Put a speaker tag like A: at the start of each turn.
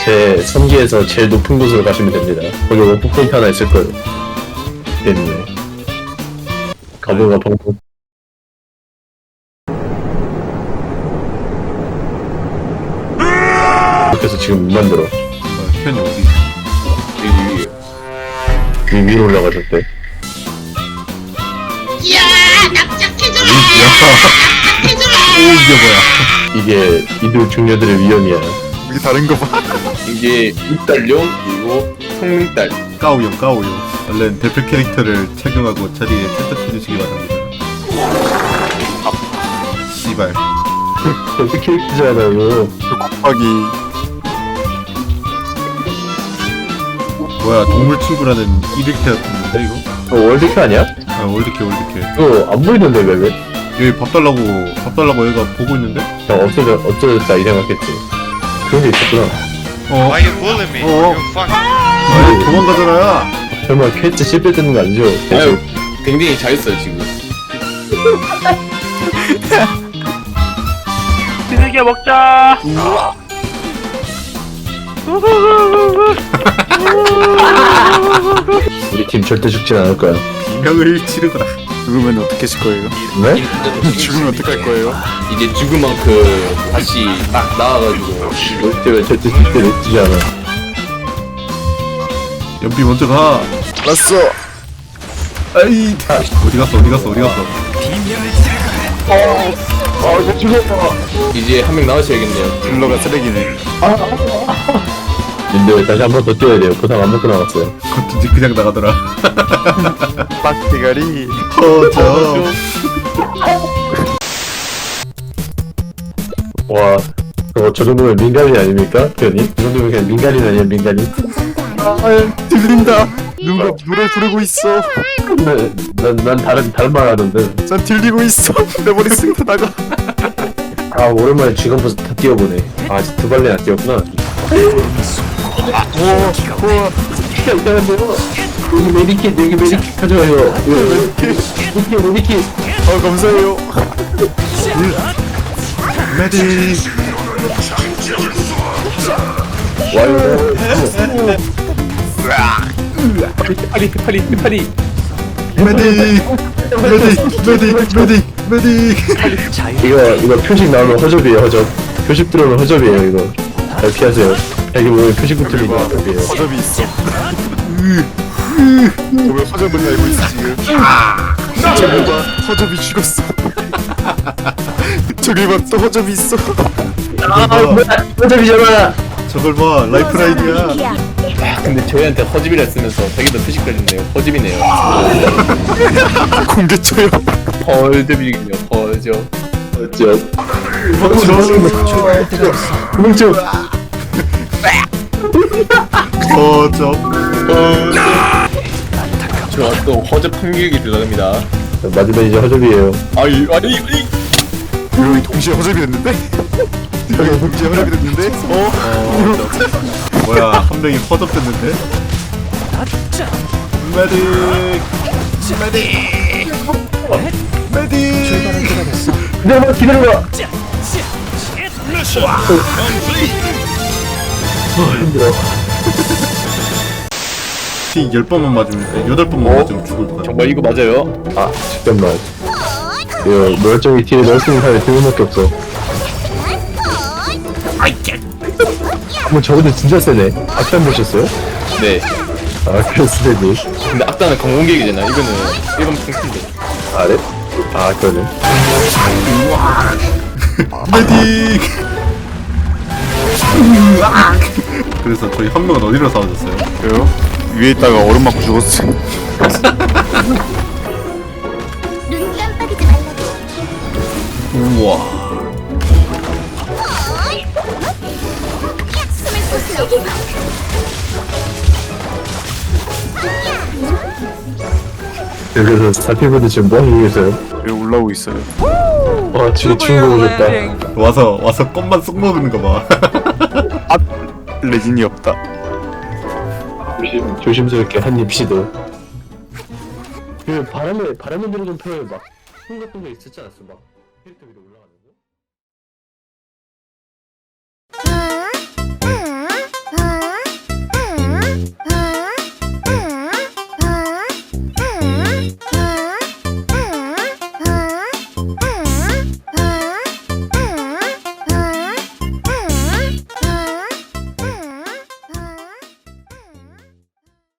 A: 제 3기에서 제일 높은 곳으로 가시면 됩니다. 거기 워프포인트 하나 있을 거예요. 때문에 가보가 방법. 그래서 지금 못 만들어.
B: 편이 어디?
A: 위 위로 올라가셨대.
C: 야, 납작해져라!
B: 오 이게 뭐야?
A: 이게 이들 중녀들의 위험이야.
D: 이게 다른 거 봐.
E: 이게 육달용 그리고 성능달.
B: 까우용. 원래는 대표 캐릭터를 착용하고 자리에 세탁해주시기 바랍니다. 씨발.
A: 어떻게 캐릭터잖아요.
D: 곱하기
B: 뭐야 동물 친구라는 이렇게 같은데 이거?
A: 월드캐 아니야?
B: 아 월드캐.
A: 이거 안 보이던데 왜?
B: 여기 밥 달라고 얘가 보고 있는데?
A: 그냥 어쩌졌다 이 생각했지. 그런 게 있었구나.
F: Why you bullying me?
B: Oh.
F: You fuck.
B: 아니 도망가잖아.
A: 설마 퀘스트 실패되는 거 아니죠?
E: 아유, 굉장히 잘했어요 지금.
C: 비둘기 먹자!
A: 우리 팀 절대 죽진 않을 거야.
B: 비명을 치르거라.
D: 죽으면 어떻게 하실 거예요?
A: 네?
D: 죽으면 어떡할 거예요?
E: 이제 죽은 만큼 다시 딱 나와가지고
A: 절대 실패를 해주지 않아.
B: 연비 먼저 가.
D: 알았어.
B: 아이 어디 갔어?
A: 이거 죽었어.
E: 이제 한 명 나오셔야겠네요.
D: 딜러가 쓰레기네.
A: 근데 다시 한 번 더 뛰어야 돼요. 보상 안 먹고 나갔어요.
B: 겉인지 그냥 나가더라.
D: 빡대가리.
B: 허저.
A: 와, 저 정도면 민간인 아닙니까? 편이? 이 정도면 그냥 민간인 아니야, 민간인?
D: 아, 들린다. 누가 노래 부르고 있어.
A: 난 다른 말 하던데.
D: 난 들리고 있어. 내 머릿속에서 나가.
A: 아, 오랜만에 지금부터 다 뛰어보네. 아, 두 발레나 뛰었구나. 이상한데요? 여기 메디킷 가져와요. 메디킷.
D: 감사해요.
B: 메디.
A: 와요.
E: 파리.
B: 메디.
A: 이거 표식 나오면 허접이에요, 허접. 표식 들어오면 허접이에요, 이거. 잘 피하세요. 여기 보면 표식 붙으면 허접이에요.
D: 허접이 있어. 왜 허접을 알고 있어 지금? 저기 봐, 허접이 죽었어. 저기 봐, 또 허접이 있어.
A: 허접이잖아!
B: 저걸 봐 라이프라인이야.
E: 근데 저희한테 허집이라 쓰면서 자기도 표식 걸렸네요. 허집이네요.
D: 공개쳐요.
E: 헐집이군요. 허접.
A: 구멍쭉!
B: 허저.
E: 제가 또 허접 판교육이 들어갑니다.
A: 맞으면 이제 허접이에요.
E: 아니.
D: 여기 동시에 허접이 됐는데? 여기 동시에 허접이 됐는데?
B: 뭐야 한 명이 허접됐는데? 메디.
A: 기다려봐! 힘들어.
B: 티 10번만 맞으면 8번만 맞으면 죽을 것 같아.
E: 정말 이거 맞아요?
A: 아, 잠깐만. 이거 멀쩡히 뒤에 넣을 수 있는 사람이 두 명밖에 없어. 뭐 저분들 진짜 세네. 악단 보셨어요?
E: 네.
A: 아, 그렇으니.
E: 근데 악단은 공공객이잖아. 이거는 일반 평신데.
A: 아, 네? 아, 그러네.
B: 메디. 그래서 저희 한 명은 어디로 사라졌어요?
D: 왜요? 위에 있다가 얼음 맞고 죽었어.
C: 눈 깜빡이지 말라고.
B: 우와.
C: 숨을 솟으려.
A: 그래서 사피분들 지금 뭐 하고 계세요?
D: 여기 올라오고 있어요.
A: 와, 지금 친구 오셨다.
B: 와서 껌만 쏙 먹는 거 봐.
D: 레진이 없다.
A: 조심스럽게 한입 시도. 그 바람에 들어 좀 펴요. 막, 풍 같은 거 있었지 않았어? 막, 캐릭터 위로 올라.